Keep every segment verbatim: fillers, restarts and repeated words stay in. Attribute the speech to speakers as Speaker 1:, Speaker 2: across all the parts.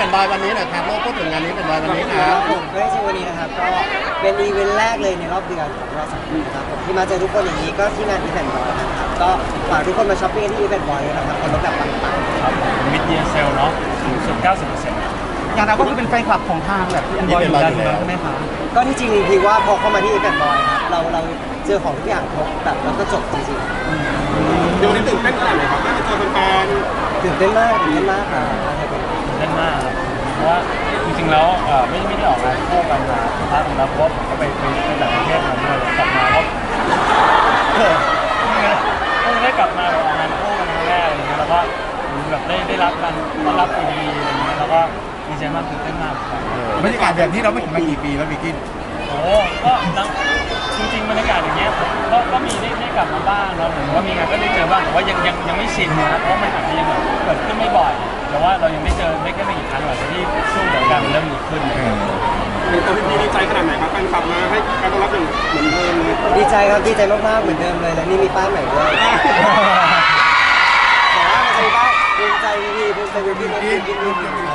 Speaker 1: นบอยวันนี้หน่อยครับโลกพูดถึงงานนี้เป็นบอยวันนี้ครับ
Speaker 2: ผมก็ได้ชื่อวันนี้นะครับก็เป็นอีเวนต์แรกเลยในรอบเดือนของเราสองคนนะครับผมที่มาเจอทุกคนอย่างนี้ก็ที่งานอีเวนต์บอยนะครับก็ฝากทุกคนมาช้อปปิ้งที่อีเวนต์บอยนะครับคนลดแบบปังๆ
Speaker 3: ครับมิดเยียร์เซลเนาะสูงสุด เก้าสิบเปอร์เซ็นต์
Speaker 4: อย่างเราก็คือเป็นแฟนคลับของทางแบบที่อันบอยอยู่แล้วใช่ไหมคะ
Speaker 2: ก็ที่จริงคือว่าพอเข้ามาที่อีเวนต์บอยครับเราเราเจอของทุกอย่างครบแบบแล้วก็จบจริงๆ
Speaker 5: เดี๋ยววันนี้ตื่นเต้นขนาดไหนครับได้เจอแฟน
Speaker 2: ตื่นเต้นมากตื่นเต้นมากครับ
Speaker 3: เล่นมากครับเพราะว่าจริงๆแล้วเอ่อไม่ไม่ได้ออกงานคู่กันมาพักหนึ่งแล้วเพราะว่าผมก็ไปไปไปต่างประเทศมาด้วยกลับมาก็เออเพิ่งได้กลับมาแบบออกงานคู่กันครั้งแรกอะไรเงี้ยแล้วก็แบบได้ได้รับการต้อนรับดีๆอะไรเงี้ยแล้วก็ดีใจมากตื่นเต้นมากครับ
Speaker 4: บรรยากาศแบบนี้เราไม่เห็นมากี่ปีแล้วบิกิน
Speaker 3: โอ้ก็นะจริงๆบรรยากาศอย่างเงี้ยก็ก็มีได้ได้กลับมาบ้างแล้วเหมือนว่ามีงานก็ได้เจอบ้างแต่ว่ายังยังยังไม่ชินนะเพราะมันอาจจะยังแบบเกิดขึ้นไม่บ่อยแต่ว่าเรายังได้เจอได้แค่ไม่กี่ครั้งหลังจากที่ช่วงสงกรานต์มันเริ่มดีขึ้น
Speaker 5: ๆเห็นตัวพี่พีดีใจขนาดไหนครับแฟนคลับมาให้การต้อนรับอย่างเหมือนเดิมเลย
Speaker 2: ดีใจครับดีใจมากๆเหมือนเดิมเลยและนี่มีป้ายใหม่ด้วยแต่ว่ามันจะมีป้ายภูมิใจพี่ภูมิใจพี่ภูมิใจพี่ภูมิใจพี่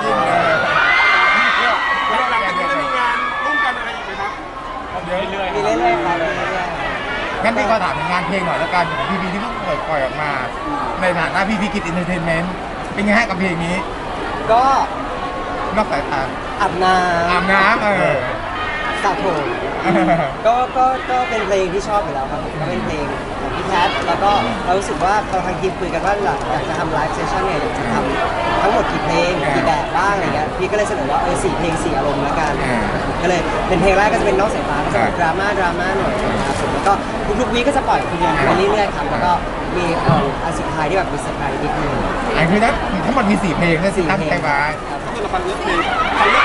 Speaker 5: แล้วหลังจากนี้จะมีงานร่วมกันอะไรอีกไหมครับ
Speaker 3: เรื่อยๆ
Speaker 2: มีเรื่อยๆครับมีเรื่อย
Speaker 4: งั้นพี่ขอถามถึงงานเพลงหน่อยแล้วกันของพีพีที่เพิ่งปล่อยปล่อยออกมา ในฐานะพีพีกิจอินเตอร์เทนเมนต์เป็นไงฮะกับเพลงนี้
Speaker 2: ๆก็
Speaker 4: นอกสายตา
Speaker 2: อาบน้ำ
Speaker 4: อาบน้ำเออ
Speaker 2: สระผมก็ก็ก็เป็นเพลงที่ชอบอยู่แล้วครับผมก็เป็นเพลงของพี่แพทแล้วก็เรารู้สึกว่าเราทางทีมคุยกันว่าอยากจะทำไลฟ์เซสชั่นเนี่ยอยากจะทำทั้งหมดกี่เพลงกี่แบบบ้างอะไรเงี้ยพี่ก็เลยเสนอว่าเออสี่เพลงสี่อารมณ์แล้วกันก็เลยเป็นเพลงแรกก็จะเป็นนอกสายตาก็จะเป็นดราม่าดราม่าหน่อยนะครับผมแล้วก็ทุกๆวีก็จะปล่อยเพลงไปเรื่อยๆครับแล้วก็มีเอ่ออันสุดท้ายที่แบบมีเซอร์ไพรส์นิดนึง
Speaker 4: อันคือนั้นทั้งหมดมีสี่เพลงนะสิตั้งใจมา
Speaker 5: ถ้าเกิดเราฟังเลือกเพลงฟังเลือก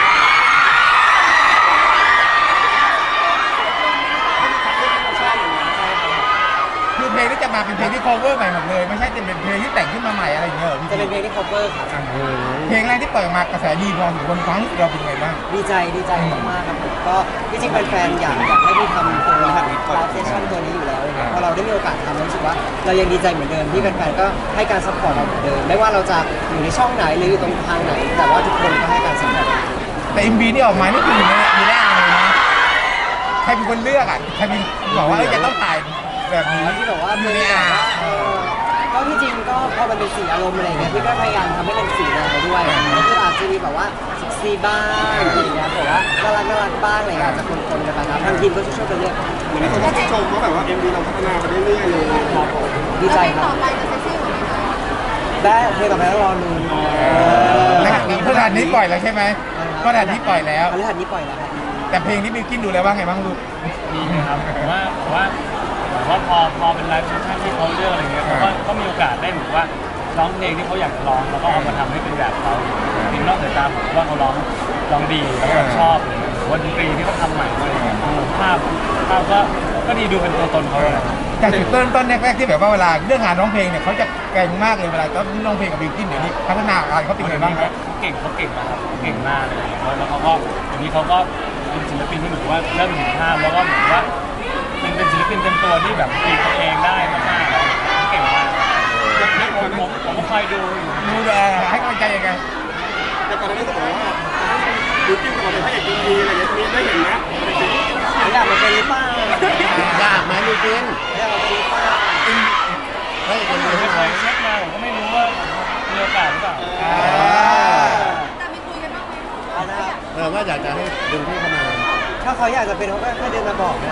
Speaker 4: คือเพลงที่จะมาเป็นเพลงที่ cover ใหม่หมดเลยไม่ใช่จะเป็นเพลงที่แต่งขึ้นมาใหม่อะไรอย่างเงี้ยเหรอพี่
Speaker 2: จะเป็นเพลงที่ cover ครับ
Speaker 4: เพลงแรกที่ปล่อยออกมากระแสดีพอถึงคนฟังเราเป็นไงบ้าง
Speaker 2: ดีใจดีใจมากๆครับผมก็ที่จริงแฟนๆอยากอยากให้พี่ทำตัวไลฟ์เซสชั่นตัวนี้อยู่แล้วพอเราได้มีโอกาสทำรู้สึกว่าเรายังดีใจเหมือนเดิมที่แฟนๆก็ให้การซัพพอร์ตเราเหมือนเดิมไม่ว่าเราจะอยู่ในช่องไหนหรืออยู่ตรงทางไหน แต่ว่าทุกคนก็ให้การซัพพอร์ต
Speaker 4: แต่ เอ็ม วี ที่ออกมานี่คืออยู่ในอยู่ในอ่างเลยนะใครเป็นคนเลือกอ่ะใครเป็นบอกว่าเอ้ยจะต้องถ่ายแบบนี้
Speaker 2: ที่บอกว่า
Speaker 4: อยู่
Speaker 2: เป็น
Speaker 4: ใน
Speaker 2: แบ
Speaker 4: อ่า
Speaker 2: บ
Speaker 4: ง
Speaker 2: ว่าเออก็ที่จริงก็พอมันเป็นสีอารมณ์อะไรเงี้ยพี่ก็พยายามทำให้เป็นสีแนวด้วยก็คืออาจจะมีแบบว่าเซ็กซี่บ้างอะไรเงี้ยแต่ว่าน่ารักน่ารักบ้างอะไรเงี้ยอาจจะคนๆกันนะครับทางทีมก็ช่วยๆกันเลือก
Speaker 5: เหมือนที่คนชื่นชมว่าแบบว่า เอ็ม วี เราพัฒนาไปเรื่อยๆเลย
Speaker 2: ครับผมดีใจครับ
Speaker 6: ต่อไปจะเซ็กซี่กว่านี้ไหม
Speaker 2: ได้เพลงต่อไปต้องรอดู
Speaker 4: นะครับพฤหัสนี้ปล่อยแล้วใช่ไหมพฤหัสนี้ปล่อยแล้ว
Speaker 2: พฤหัสนี้ปล่อยแล้วครับ
Speaker 4: แต่เพลงที่บิวกินดูแล้วว่าไงบ้างลูก
Speaker 3: ดีนะครับผมว่าผมว่าผมว่าพอพอเป็นไลฟ์เซสชั่นที่เขาเลือกอะไรเงี้ยเขาก็ก็มีโอกาสได้เหมือนว่าร้องเพลงที่เขาอยากจะร้องแล้วก็เอามาทำให้เป็นแบบเขาเพลงนอกสายตาผมว่าเขาร้องร้องดีแล้วก็ชอบเลยหรือว่าดนตรีที่เขาทำใหม่อะไรเงี้ยภาพภาพก็ก็ดีดูเป็นตัวตนเขาเลย
Speaker 4: จากจุดเริ่มต้นแรกๆที่แบบว่าเวลาเรื่องงานร้องเพลงเนี่ยเขาจะเก่งมากเลยเวลาต้องร้องเพลงกับบิวกินเดี๋ยวนี้พัฒนาการเขาเป็นไงบ้างครับ
Speaker 3: เขาเก่งเขาเก่งนะครับเขาเก่งมากเลยแล้วเขาก็อย่างนี้เขาก็เป็นศิลปินที่เหมือนว่าเริ่มเห็นภาพแล้วก็เหมือนว่าเป็นเป็นศิลปินเต็มตัวที่แบบตีตัวเองได้มากๆแล้วเก่งมากผมผมผมก็คอยดูอยู่
Speaker 4: ดูแลให้กำลังใจยังไง
Speaker 5: แต่ก่อนหน้านี้ก็บอกว่าดูจิ้มกับเราเป็นพระเอก เอ็ม วี อะไรอย่างเงี้ยมีได้เห็นนะ
Speaker 2: อยากมาเป็นหรือเปล่า
Speaker 1: อยากไหมบิวกิน
Speaker 2: อยากมาเป็นหรือเปล่า
Speaker 1: เฮ้ยคน
Speaker 3: ผม
Speaker 1: นี้
Speaker 3: ไม่
Speaker 1: ใช่
Speaker 3: เค
Speaker 1: ไหม
Speaker 3: ยเช็คมาผมก็ไม่รู้ว่ามีโอกาสหรือเปล่า
Speaker 6: แต่มีคุยกันบ้างไหม
Speaker 2: เอานะครับ
Speaker 1: เออว่าอยากจะให้ดึงพี่เข้ามา
Speaker 2: ถ้าเขาอยากจะเป็นเขาก็แค่เดินมาบอกนะ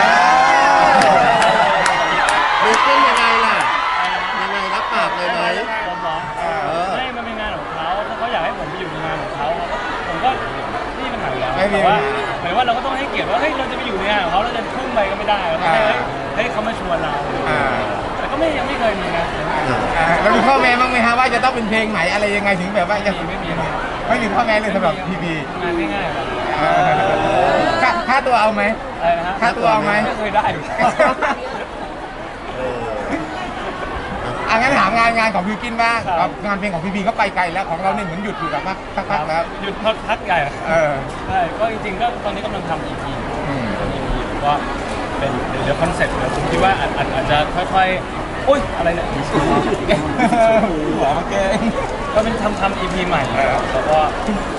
Speaker 1: บิวกินยังไงล่ะยังไงรับปากเลยไหม
Speaker 3: ผมเหรอไม่มันเป็นงานของเขาถ้าเขาอยากให้ผมไปอยู่ในงานของเขาผมก็ไม่มีปัญหาอยู่แล้วแต่ว่าหมายว่าเราก็ต้องให้เกียรติว่าเฮ้ยเราจะไปอยู่ในงานของเขาเราจะทุ่มไปก็ไม่ได้เราต้องให้เฮ้ยเฮ้ยเขามาชวนเราแต่ก็ไม่ยังไม่เคยมีนะ
Speaker 4: เรามีข้อแม้บ้างไหมฮะว่าจะต้องเป็นเพลงไหนอะไรยังไงถึงแบบว่าจะ
Speaker 3: ไม่มีไม่มี
Speaker 4: ไม่มีข้อแม้เลยสำหรับพีพี
Speaker 3: งานง่ายๆแบบ
Speaker 4: ค่าค่าตัวเอาไหม
Speaker 3: อะไรนะฮะ
Speaker 4: ค่าตัวเอาไหม
Speaker 3: ไม่เคยได้
Speaker 1: เออ
Speaker 4: อ่ะงั้นถามงานงานของบิวกินบ้างครับงานเพลงของพีพีก็ไปไกลแล้วของเราเนี่ยเหมือนหยุดอยู่แบบว่าสักพักแล้ว
Speaker 3: หยุดพักใหญ่
Speaker 4: เออ
Speaker 3: ใช่ก็จริงๆก็ตอนนี้กำลังทำ อี พี
Speaker 4: อืม
Speaker 3: อี พี ก็เป็นเดี๋ยวคอนเซ็ปต์เดี๋ยวผมคิดว่าอาจอาจอาจจะค่อยๆอุ้ยอะไรเนี่ย
Speaker 4: หัวมาแกง
Speaker 3: ก็เป็นทำทำ อี พี ใหม่แล้วก็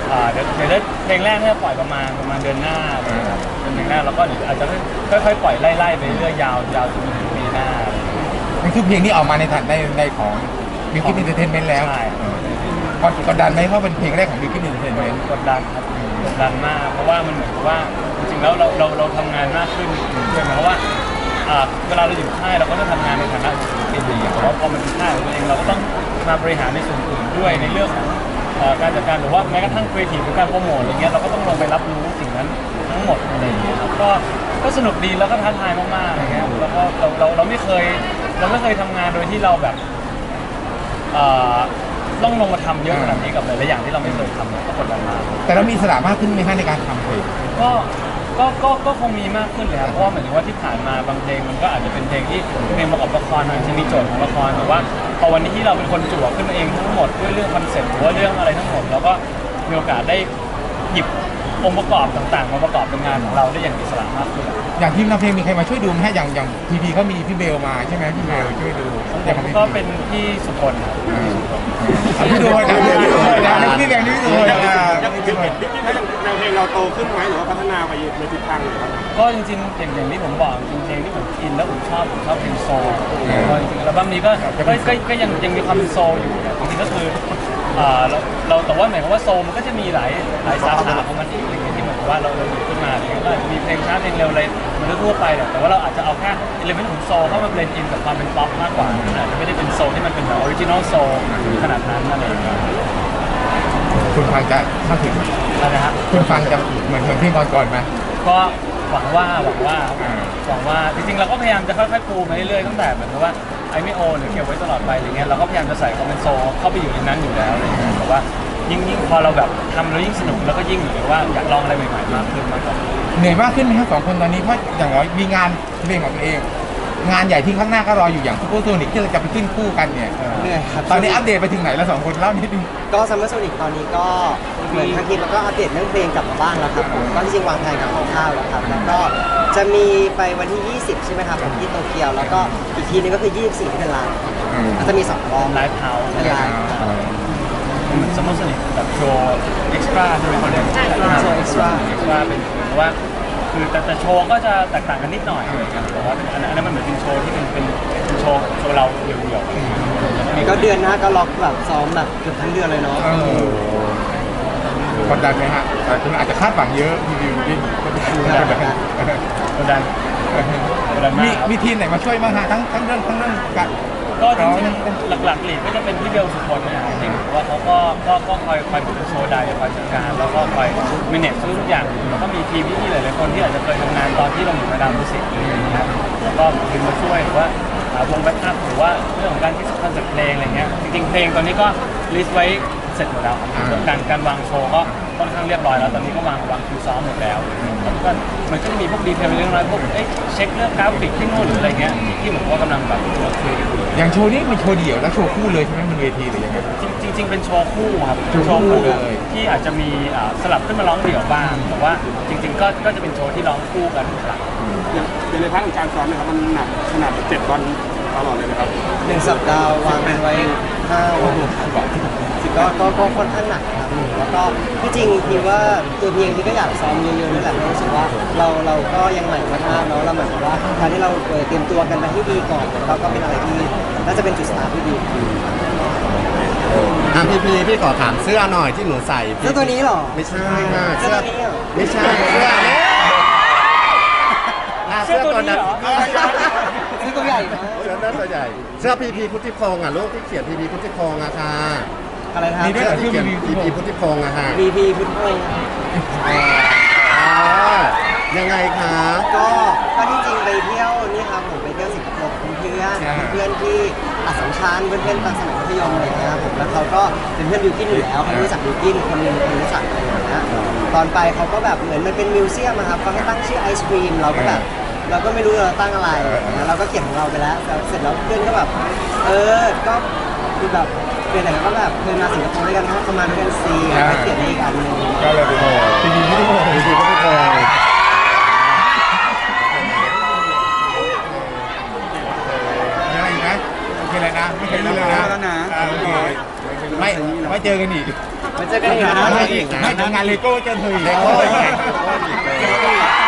Speaker 3: อ่าเดี๋ยวเดี๋ยวได้เพลงแรกเนี่ยปล่อยประมาณประมาณเดือนหน้าอะไรอย่างเงี้ยครับเป็นเพลงแรกแล้วก็เดี๋ยวอาจจะค่อยๆปล่อยไล่ๆไปเรื่อยยาวยาวจนถึงปีหน้า
Speaker 4: นี่คือเพลงที่ออกมาในฐานในในของบิวกิ้นเอนเตอร์เทนเมนต์แล้ว
Speaker 3: ใช่
Speaker 4: กดกดดันไหมเพราะเป็นเพลงแรกของบิวกิ้นเอนเตอร์เทนเมนต์
Speaker 3: กดดันครับกดดันมากเพราะว่ามันเหมือนกับว่าจริงๆแล้วเราเราเราทำงานมากขึ้นด้วยเพราะว่าอ่าเวลาเราอยู่ค่ายเราก็ต้องทำงานในฐานะศิลปินแต่ว่าพอมันเป็นค่ายของตัวเองเราก็ต้องมาบริหารในส่วนอื่นด้วยในเรื่องของเอ่อการจัดการหรือว่าแม้กระทั่งครีเอทีฟหรือการโปรโมทอะไรเงี้ยเราก็ต้องลงไปรับรู้สิ่งนั้นทั้งหมดอะไรอย่างเงี้ยครับก็ก็สนุกดีแล้วก็ท้าทายมากๆอะไรเงี้ยแล้วก็เราเราเราไม่เคยเราไม่เคยทำงานโดยที่เราแบบเอ่อต้องลงมาทำเยอะขนาดนี้กับหลายๆอย่างที่เราไม่เคยทำก็กดดันมาก
Speaker 4: แต่เรามีอิสระมากขึ้นไหมฮะในการทำเพลง
Speaker 3: ก็ก็ก็ก็คงมีมากขึ้นเลยครับเพราะว่าเหมือนว่าที่ผ่านมาบางเพลงมันก็อาจจะเป็นเพลงที่เพลงประกอบละครอาจจะมีโจทย์ของละครแต่ว่าพอวันนี้ที่เราเป็นคนจั่วขึ้นมาเองทั้งหมดด้วยเรื่องคอนเซ็ปต์หรือว่าเรื่องอะไรทั้งหมดเราก็มีโอกาสได้หยิบองค์ประกอบต่างๆมาประกอบเป็นงานของเราได้อย่างอิสระมากขึ้น
Speaker 4: อย่างทีมทำเพลงมีใครมาช่วยดูไหมฮะอย่างอย่างพีพีเขามีพี่เบลมาใช่ไหมพี่เบลช่วยดู
Speaker 3: ผมก็เป็นพี่สุพลครับ
Speaker 4: พี่ดูนะพี่ดูนะพี่แดงนี่ดูนะ
Speaker 5: ยังเห็นบิ๊กที่แนวเพลงเราโตขึ้นไหมหรือว่าพัฒนาไปในทิศทางไหนครับ
Speaker 3: ก็จริงๆอย่างอย่างที่ผมบอกจริงๆเพลงที่ผมอินแล้วผมชอบผมชอบเพลงโซลก็จริงๆอัลบั้มนี้ก็ก็ก็ก็ยังยังมีความเป็นโซลอยู่จริงๆก็คืออ่าเราเราแต่ว่าหมายความว่าโซลมันก็จะมีหลายหลายสาขาของมันอีกอะไรเงี้ยที่เหมือนกับว่าเราเราหยิบขึ้นมาอะไรเงี้ยก็อาจจะมีเพลงช้าเพลงเร็วอะไรเหมันทั่วไปแหละแต่ว่าเราอาจจะเอาแค่เอลิเมนต์ของโซลเข้ามาเบลนด์อินกับความเป็นป๊อปมากกว่าอาจจะไม่ได้เป็นโซลที่มันเป็นแบบออริจินอลโซลขนาดนั้นอะไรอย่างเงี้ย
Speaker 4: คุณฟังจะเข้าถึง
Speaker 3: อะไรนะฮะ
Speaker 4: คุณฟังจะเหมือนเหมือนเพลงก่อนๆไหม
Speaker 3: ก็หวังว่าหวังว่าหวังว่าจริงๆเราก็พยายามจะค่อยๆปูมาเรื่อยๆตั้งแต่เหมือนกับว่าไอไม่โอหรือเก็บไว้ตลอดไปอะไรเงี้ยเราก็พยายามจะใส่คอมเมนโซเข้าไปอยู่ในนั้นอยู่แล้วอะไรเงี้ยแต่ว่ายิ่งยิ่งพอเราแบบทำแล้วยิ่งสนุกแล้วก็ยิ่งเหมือนว่าอยากลองอะไรใหม่ๆมากขึ้นมากกว่า
Speaker 4: เหนื่อยมากขึ้นไหมครับสองคนตอนนี้เพราะอย่างน้อยมีงานเพลงของตัวเอง งานใหญ่ที่ข้างหน้าก็รออยู่อย่างซูเปอร์โซนิกที่เราจะไปขึ้นคู่กันเนี่ย
Speaker 2: เหนื่อยครับ
Speaker 4: ตอนนี้อัปเดตไปถึงไหนแล้วสองคนเล่านิดนึง
Speaker 2: ก็ซัมเมอร์โซนิกตอนนี้ก็เหมือนทางทีมแล้วก็อัปเดตเรื่องเพลงกลับมาบ้างแล้วครับผมก็จริงๆวางแผนกับคร่าวๆแล้วครับแล้วก็จะมีไปวันที่ ยี่สิบ ใช่ไหมครับผมที่โตเกียวแล้วก็อีกทีนึงก็คือ ยี่สิบสี่ ที่เป็นไลน์ก็จะมีสองรอบ
Speaker 3: ไลฟ์เฮาส์
Speaker 2: เป็นไลน์
Speaker 3: เหมือนสมมติสนิทแบบโชว์เอ็กซ์ตร้าใช่ไหมเขาเรียก
Speaker 2: โชว์ extra
Speaker 3: เอ็กซ์ตร้าเป็นเพราะว่าคือแต่แต่โชว์ก็จะแตกต่างกันนิดหน่อยอะไรเงี้ยแต่ว่าอันนั้นอันนั้นมันเหมือนเป็นโชว์ที่เป็นเป็นเป็นโชว์โชว์เราเดี่ยวๆอะไรเงี้ยมี
Speaker 2: ก็เดือนหน้าก็ล็อกแบบซ้อมแบบเกือบทั้งเดือนเลยเนาะ
Speaker 4: เออกดดันไหมฮะแต่คุณอาจจะคาดหวังเยอะพี่วิวพี่กดดัน
Speaker 3: กดดันกดดันกดดัน
Speaker 4: มี
Speaker 3: มากครับ
Speaker 4: มีทีมไหนมาช่วยบ้างฮะทั้งทั้งเรื่องทั้งเรื่องการ
Speaker 3: ก็จริงๆหลักๆหลีกก็จะเป็นพี่เบลสุพลเนี่ยจริงๆเพราะว่าเขาก็ก็ก็คอยคอยเป็นโชว์ไดคอยจัดการแล้วก็คอยมิเนจทุกอย่างแล้วก็มีทีมพี่ๆหลายๆคนที่อาจจะเคยทำงานตอนที่เราอยู่มาดามมิวสิกอะไรอย่างเงี้ยแล้วก็เป็นมาช่วยหรือว่าหาวงแบ็คอัพหรือว่าเรื่องของการคิดคอนเซ็ปต์เพลงอะไรเงี้ยจริงๆเพลงตอนนี้ก็ลิสต์ไว้เสร็จหมดแล้วครับการการวางโชว์ก็ค่อนข้างเรียบร้อยแล้วตอนนี้ก็วางวางคิวซ้อมหมดแล้วแล้วก็มันก็จะมีพวกดีเทลเรื่องน้อยพวกเอ้ยเช็คเรื่องกราฟิกที่นู่นหรืออะไรเงี้ยที่เหมือนว่ากำลังแบบคุยกันอยู่
Speaker 4: อย่างโชว์นี้เป็นโชว์เดี่ยวแล้วโชว์คู่เลยใช่ไหมบนเวทีหรือยังไง
Speaker 3: จริงจริงๆเป็นโชว์คู่ครับ
Speaker 4: โชว์คู่เลย
Speaker 3: ที่อาจจะมีอ่าสลับขึ้นมาร้องเดี่ยวบ้างแต่ว่าจริง ๆ ก็ก็จะเป็นโชว์ที่ร้องคู่กันสลับ
Speaker 5: อย่างในพาร์ทของการซ้อมเนี่ยครับมันหนักขนาดเจ็ดวันตลอดเลยนะครับ
Speaker 2: หนึ่งสัปดาห์วางกันไว้ห้าวันครับก็ก็ก็ค่อนข้างหนักครับแล้วก็ที่จริงพี่ว่าตัวเพียงที่ก็อยากซ้อมเยอะๆนั่นแหละเพราะรู้สึกว่าเราเราก็ยังใหม่มากๆเนาะเราเหมือนกับว่าการที่เราเตรียมตัวกันไปให้ดีก่อนเราก็เป็นอะไรที่น่าจะเป็นจุดสตาร์ทที่ดี
Speaker 1: อ่ะพี่พีพี่ขอถามเสื้อหน่อยที่หนูใส่
Speaker 2: เสื้อตัวนี้เหรอ
Speaker 1: ไม่ใช่ค่ะ
Speaker 2: เสื้อตัวนี้เหรอ
Speaker 1: ไม่ใช่เสื้อนี้อ่ะเสื้อตัวนั้น
Speaker 2: เสื้อตัวใหญ่นะ
Speaker 1: เสื้อนั้นตัวใหญ่ เสื้อพีพีพุทธิพงษ์อ่ะลูกที่เขียนพีพีพุทธิพงษ์อะค่ะ
Speaker 2: อะไรนะครับ
Speaker 4: มีด้วย
Speaker 1: เสื้อที่เขียนพีพีพุทธิพงษ์อะค่ะ
Speaker 2: บีพีพุทธพงศ์
Speaker 1: อ่ายังไงคะ
Speaker 2: ก็ก็ที่จริงไปเที่ยวนี่ครับผมไปเที่ยวสิงคโปร์กับเพื่อนเพื่อนที่อัสสัมชัญเพื่อนเพื่อนตอนสมัยมัธยมอะไรอย่างเงี้ยครับผมแล้วเขาก็เป็นเพื่อนบิวกินอยู่แล้วเขารู้จักบิวกินคนหนึงคนรู้จักอะไรอย่างเงี้ยตอนไปเขาก็แบบเหมือนมันเป็นมิวเซียมอะครับเขาให้ตั้งชื่อไอศครีมเราก็แบบเราก็ไม่รู้เราตั้งอะไรนะเราก็เขียนของเราไปแล้วเสร็จแล้วเพื่อนก็แบบเออก็คือแบบเป็นอะไรก็แบบเคยมาสิงคโปร์ด้วยกันนะเขามาด้วยกันซีก็เขียนให้อีกอันหนึง
Speaker 4: ก็เลยเป็นพีพีพุทธิพงศ์
Speaker 1: พีพีพุทธิพงษ์
Speaker 4: มีอะไรอีกไหมโอเคเลยนะไม่เคยรู้เลยนะ
Speaker 5: แล้วนะ
Speaker 4: อ่าโอเคไม่ไม่เจอกันอีก
Speaker 2: มาเจอกันอีกนะ
Speaker 4: ไม่ไม่ทำงานเลโก้เจอเธออีก
Speaker 1: เลโก้อีก